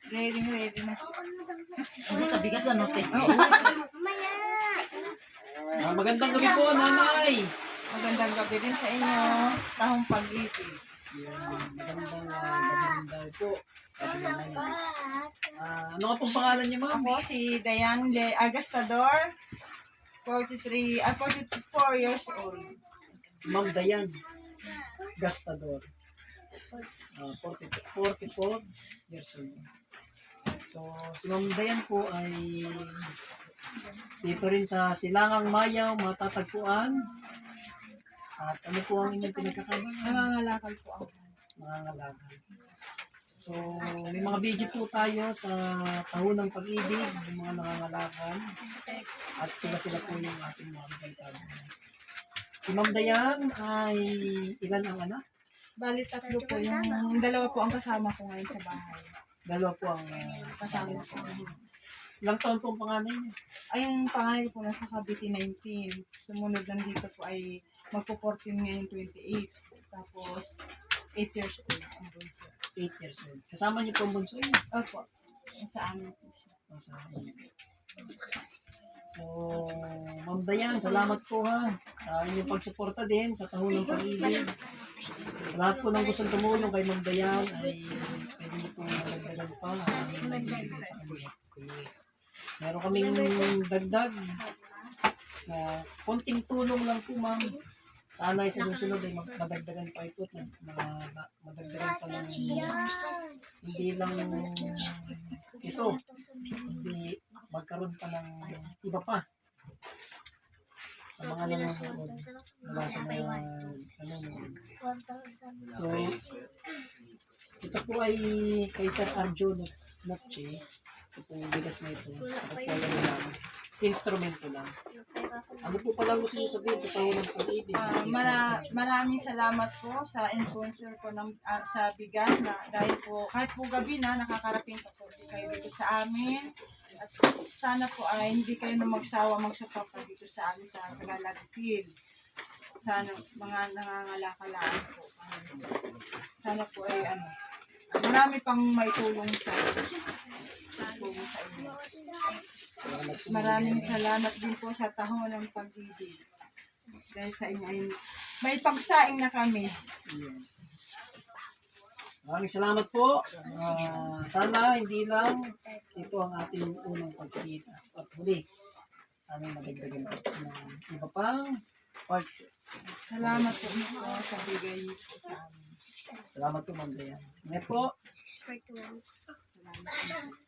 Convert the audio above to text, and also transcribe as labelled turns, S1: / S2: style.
S1: Ready na.
S2: Kasi sa bigas ano, te?
S1: Oo.
S3: Magandang gabi po, nanay.
S1: Magandang gabi din sa inyo. Tahong pag-ibig.
S3: Magandang gabi po. Sabi naman. Ano ka pong pangalan niyo, ma'am?
S1: Ako si Dayan Agastador, 44 years old.
S3: Ma'am Dayan Gastador. 44 years old. So, si Ma'am Dayan po ay dito rin sa Silangang Mayaw, matatagpuan. At ano po ang inyong pinagkakabalan?
S1: Nangangalakal po ako.
S3: Nangangalakal. So, may mga video po tayo sa Taon ng Pag-ibig, yung mga nangangalakal. At sila po yung ating mga kaitado. Si Ma'am Dayan ay ilan ang anak?
S1: Bali, tatlo po. Yung dalawa po ang kasama ko ngayon sa bahay.
S3: Dalawa po ang
S1: Kasama ko.
S3: Ilang taon po ang panganay niya?
S1: Ay, yung pangalan ko po nasa Cavite 19. Sumunod nandito po ay magpo-14 ngayon 28. Tapos, 8 years old ang bunso.
S3: 8 years old. Kasama niyo po ang bunso niyo?
S1: Opo. Sa amin po siya.
S3: So, Ma'am Dayan, salamat po ha sa inyong pagsuporta din sa Tahon ng Pag-ibig. Sa lahat po ng gustong tumulong kay Ma'am Dayan ay pwede niyo po magdagdagan pa sa kanya. Meron kaming dagdag na konting tulong lang po, ma'am. Sana sa susunod ay madagdagan pa ito at madagdagan pa ng hindi lang ito, hindi magkaroon pa ng iba pa sa mga nanonood mula sa mga nanonood. So, ito po ay kay Sir Arjo Notche. Ito po bigas na ito. Ito po lang instrumento lang. Ano po pala gusto niyo sabihin sa Tahon ng Pag-ibig?
S1: Maraming salamat po sa influencer ko ng, sa Bigan na dahil po kahit po gabi na nakakarating po kayo dito sa amin at sana po ay hindi kayo na magsawa magsuporta dito sa amin sa Tagalog Field. Sana mga nangangalakaan po. Sana po ay marami pang may tulong sa inyo. Maraming salamat din po sa Tahon ng Pag-ibig. Dahil sa inyo ay may pagsaing na kami.
S3: Maraming salamat po. Sana hindi lang ito ang ating unang pagkikita. At huli, sana madagdagan pa ng iba pang part.
S1: Salamat po sa bigay niyo po sa amin.
S3: Salamat po, Ma'am Dayan. Ngayon po.
S1: Salamat po.